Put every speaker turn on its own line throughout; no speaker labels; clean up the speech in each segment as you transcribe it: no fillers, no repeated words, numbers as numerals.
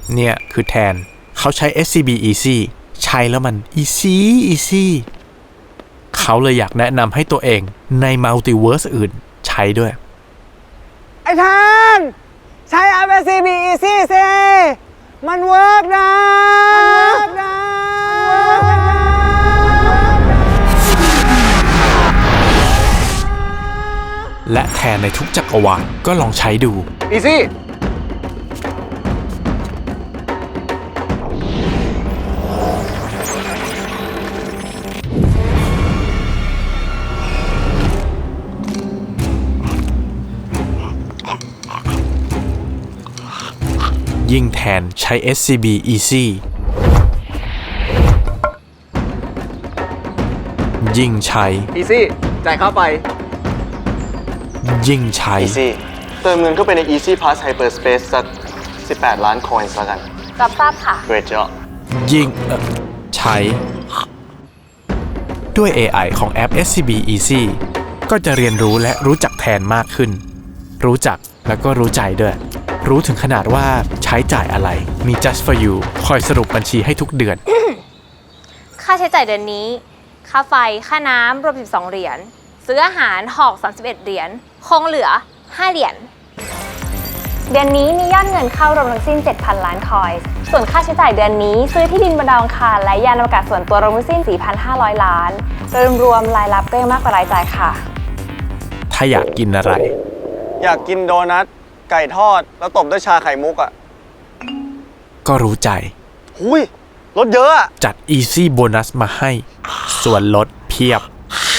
เนี่ยคือแทนเขาใช้ SCB Easy ใช้แล้วมัน easy เขาเลยอยากแนะนำให้ตัวเองในมัลติเวิร์สอื่นใช้ด้วย
ไอ้แทนใช้ SCB Easy สิมันเวิร์กนะ
และแทนในทุกจักรวาลก็ลองใช้ดู
Easy
ยิ่งแทนใช้ SCB Easy ยิ่งใช้
Easy จ่ายค่าไฟ
ยิ่งใช้
Easy เติมเงินเข้าไปใน Easy Pass Hyperspace สัก18 ล้านคอยน์แล้วกัน
รับทราบค่ะ
Great job
ยิ่งใช้ด้วย AI ของแอป SCB Easy ก็จะเรียนรู้และรู้จักแทนมากขึ้นรู้จักแล้วก็รู้ใจด้วยรู้ถึงขนาดว่าใช้จ่ายอะไรมี Just for you คอยสรุปบัญชีให้ทุกเดือน
ค่าใช้จ่ายเดือนนี้ค่าไฟค่าน้ำรวม12 เหรียญซื้ออาหารหอก31 เหรียญคงเหลือ5 เหรียญเดือนนี้มียอดเงินเข้ารวมทั้งสิ้น 7,000 ล้านคอยน์ส่วนค่าใช้จ่ายเดือนนี้ซื้อที่ดินบนดาวอังคารและยานอวกาศส่วนตัวรวมทั้งสิ้น 4,500 ล้านโดยรวมรายรับก็ยังมากกว่ารายจ่ายค่ะ
ถ้าอยากกินอะไร
อยากกินโดนัทไก่ทอดแล้วตบด้วยชาไข่มุกอ่ะ
ก็รู้ใจ
หุยลดเยอะอะ
จัด Easy Bonus มาให้ส่วนลดเพียบ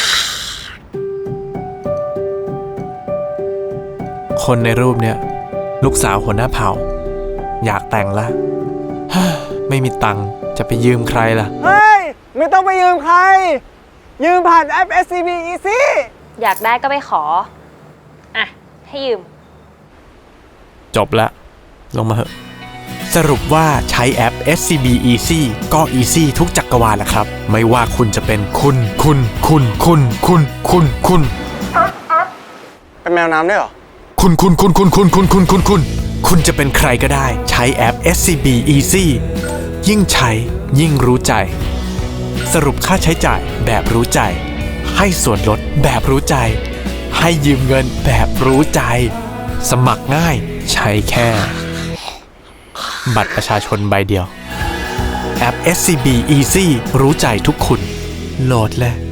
คนในรูปเนี่ยลูกสาวหัวหน้าเผ่าอยากแต่งละ ไม่มีตังค์จะไปยืมใครล่ะ
เฮ้ยไม่ต้องไปยืมใครยืมผ่านแอป SCB Easy
อยากได้ก็ไปขออ่ะให้ยืม
จบละลงมาเหอะสรุปว่าใช้แอป SCB Easy ก็ Easy ทุกจักรวาลแหละครับไม่ว่าคุณจะเป็นคุณ
เป็นแมวน้ำด้วยเหรอ
คุณจะเป็นใครก็ได้ใช้แอป SCB Easy ยิ่งใช้ยิ่งรู้ใจสรุปค่าใช้จ่ายแบบรู้ใจให้ส่วนลดแบบรู้ใจให้ยืมเงินแบบรู้ใจสมัครง่ายใช้แค่บัตรประชาชนใบเดียวแอป SCB Easy รู้ใจทุกคุณโหลดเลย